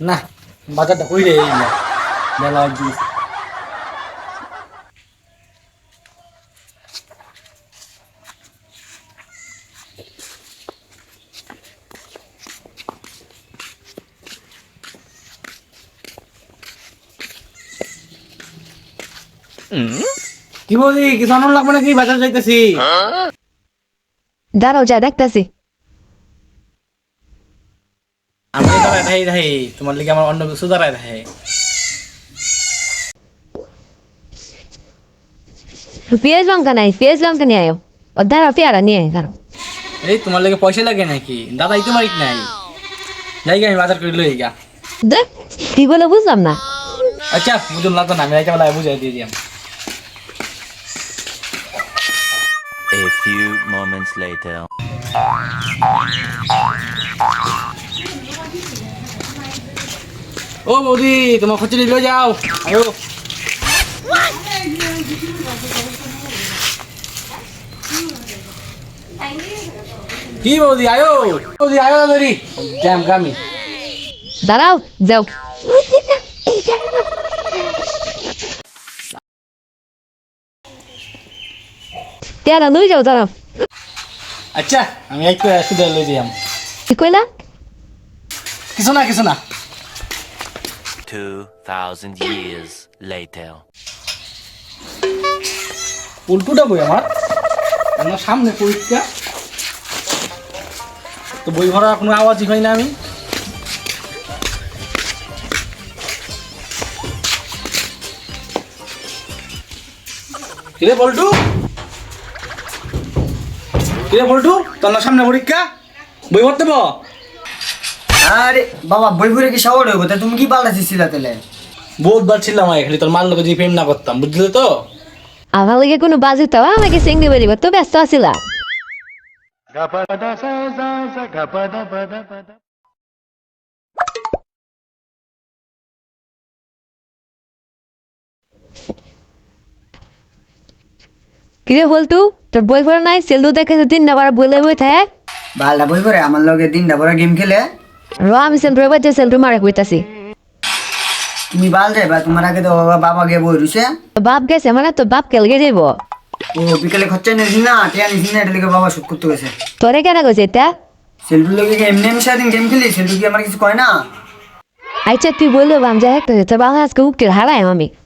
না বাজারটা কই রে এই না বেলা অবধি কি বলি কিছু আনন্দ লাগবে নাকি বাজার যাইতেছি দাঁড়াও যা দেখতেছি। আমি দাঁড়ায় থাই থাই তোমার লিগে আমার অন্য কিছু দাঁড়ায় থাই পেঁয়াজ লঙ্কা নাই, পেঁয়াজ লঙ্কা নিয়ে আয়ো। ও দাঁড়াও পেয়ারা নিয়ে আয়, দাঁড়াও। এই তোমার লাগে পয়সা লাগে নাকি দাদা ইতে মারিক নাই যাই গে আমি বাজার করে লই গা দেখ কি বলে বুঝলাম না। আচ্ছা বুঝুন লাগতো না আমি রাইতে বেলায় বুঝাই দিয়ে দিলাম A few moments later. ও বৌদি তোমার খুচরি লয়ে যাও আয়ো কি বৌদি আয়ো বৌদি আয়ো ধরি জ্যাম গামি দাঁড়াও যাও। পেয়ারা লই যাও, দাঁড়াও। আচ্ছা আমি একটু সুদে লই যাম কি কইলা? কিছু না কিছু না 2,000 years later. উল্টুটা বই আমার সামনে পরীক্ষা তো বই ভরার কোনো আওয়াজই হয় না আমি কিরে বল্টু তোর না সামনে পরীক্ষা বই ভরতে বল আরে বাবা বই পড়ে কি সাওয়ার হইব তা তুমি কি পাল্টাছিলা তাহলে? বহুতবার ছিলাম খালি তোর মার লোকে যদি প্রেম না করতাম বুঝলি তো আমার লাগে কোনো বাজে তো আমাকে সিঙ্গি বেরিব তো ব্যস্ত আছিলা। কিরে বলতু তোর বই পড়া নাই? সেলু দেখে দিনটা বার বলে বই থাক। বালটা বই পড়ে আমার লগে দিনটা বড় গেম খেলে। র আমি সেলু বাজে সেলু মারা কইতাছি। তুমি বাল যাইবা তোমার আগে তো বাবা গে বই রুছে। তো বাপ গেছে মানে তো বাপ কেলগে যাইব। ও বিকেলে খরচা নিস না টিয়া নিস না এটা লিগে বাবা শুট করতে গেছে। তোরে কেন কইছে এটা? সেলফির লগে এমনি এমনি সারাদিন গেম খেলি সেলফি কি আমার কিছু কয় না? আচ্ছা তুই বললো বাম যাই তোর বাংলা আজকে উকিল হারাই আমি।